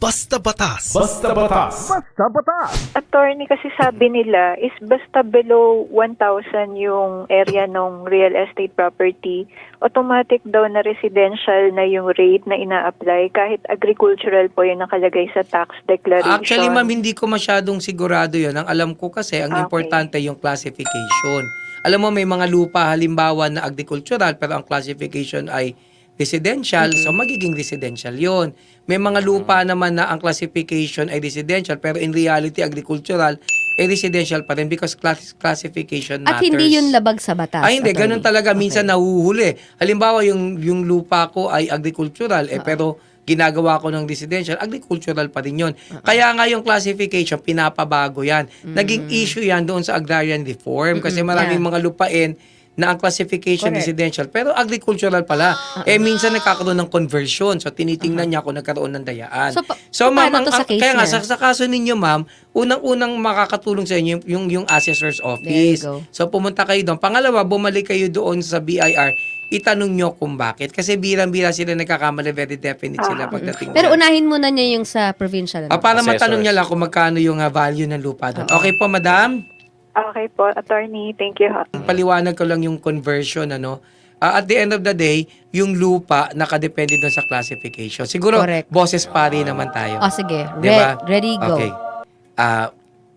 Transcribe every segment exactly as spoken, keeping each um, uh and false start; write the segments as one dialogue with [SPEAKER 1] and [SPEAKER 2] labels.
[SPEAKER 1] Basta Batas.
[SPEAKER 2] Basta Batas.
[SPEAKER 3] Basta Batas.
[SPEAKER 4] Attorney, kasi sabi nila is basta below one thousand yung area ng real estate property, automatic daw na residential na yung rate na ina-apply kahit agricultural po yung nakalagay sa tax declaration.
[SPEAKER 5] Actually, ma'am, hindi ko masyadong sigurado yun. Ang alam ko kasi, ang
[SPEAKER 4] Okay.
[SPEAKER 5] importante yung classification. Alam mo, may mga lupa halimbawa na agricultural pero ang classification ay residential,
[SPEAKER 4] Mm-hmm.
[SPEAKER 5] so magiging residential yon. May mga lupa naman na ang classification ay residential pero in reality agricultural, eh residential pa rin because class- classification
[SPEAKER 6] At
[SPEAKER 5] matters.
[SPEAKER 6] hindi yun labag sa batas.
[SPEAKER 5] Ay, hindi.
[SPEAKER 6] attorney.
[SPEAKER 5] Ganun talaga. Minsan
[SPEAKER 6] Okay.
[SPEAKER 5] nahuhuli. Halimbawa, yung, yung lupa ko ay agricultural, eh,
[SPEAKER 6] Oo.
[SPEAKER 5] pero ginagawa ko ng residential, agricultural pa rin yun. Kaya nga yung classification, pinapabago yan. Naging issue yan doon sa agrarian reform kasi maraming
[SPEAKER 6] Yeah.
[SPEAKER 5] mga lupain na ang classification
[SPEAKER 6] Correct.
[SPEAKER 5] residential, pero agricultural pala. Eh, minsan nagkakaroon ng conversion. So, tinitingnan niya kung nagkaroon ng dayaan.
[SPEAKER 6] So, pa-
[SPEAKER 5] So, ma'am,
[SPEAKER 6] paano
[SPEAKER 5] ang,
[SPEAKER 6] to sa
[SPEAKER 5] ang-
[SPEAKER 6] case
[SPEAKER 5] kaya nga,
[SPEAKER 6] niya?
[SPEAKER 5] sa, sa kaso ninyo, ma'am, unang-unang makakatulong sa inyo yung, yung, yung assessor's office.
[SPEAKER 6] go.
[SPEAKER 5] So, pumunta kayo doon. Pangalawa, bumalik kayo doon sa B I R. Itanong nyo kung bakit. Kasi birang-bira sila nagkakamali. Very definite sila pagdating
[SPEAKER 6] Pero
[SPEAKER 5] dyan.
[SPEAKER 6] unahin muna niya yung sa provincial.
[SPEAKER 5] Ah, para
[SPEAKER 2] Assessors.
[SPEAKER 5] matanong niya lang kung magkano yung ah, value ng lupa doon. Okay po, madam?
[SPEAKER 4] Okay po, attorney. Thank you.
[SPEAKER 5] Paliwanag ko lang yung conversion, ano. Ah, at the end of the day, yung lupa nakadepende doon sa classification. Siguro,
[SPEAKER 6] Correct.
[SPEAKER 5] boses pari naman tayo.
[SPEAKER 6] O sige, Re-
[SPEAKER 5] Diba?
[SPEAKER 6] ready, go.
[SPEAKER 5] Okay. Ah,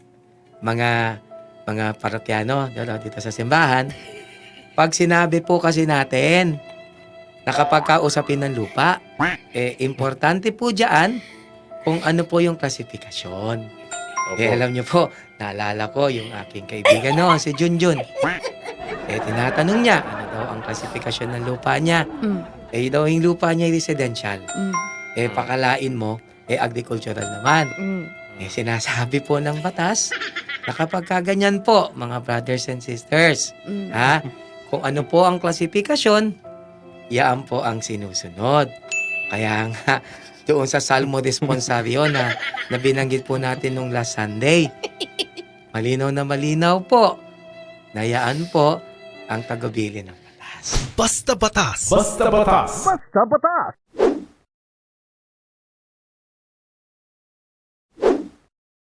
[SPEAKER 5] mga mga parokyano dito, dito sa simbahan, pag sinabi po kasi natin na kapag kausapin ng lupa, eh, importante po dyan kung ano po yung klasifikasyon. Eh, alam niyo po, naalala ko yung aking kaibigan no, si Junjun. Eh, tinatanong niya, ano daw ang klasifikasyon ng lupa niya?
[SPEAKER 6] Mm,
[SPEAKER 5] Eh, daw yung lupa niya ay residential.
[SPEAKER 6] mm,
[SPEAKER 5] Eh, pakalain mo, eh, agricultural naman.
[SPEAKER 6] mm.
[SPEAKER 5] Eh, sinasabi po ng batas na kapag kaganyan po, mga brothers and sisters,
[SPEAKER 6] Mm.
[SPEAKER 5] ha, kung ano po ang klasifikasyon, yaan po ang sinusunod. Kaya nga, doon sa Salmo Responsario na, na binanggit po natin nung last Sunday, malinaw na malinaw po, na yaan po ang tagubilin ng batas.
[SPEAKER 1] Basta Batas.
[SPEAKER 2] Basta Batas.
[SPEAKER 3] Basta Batas.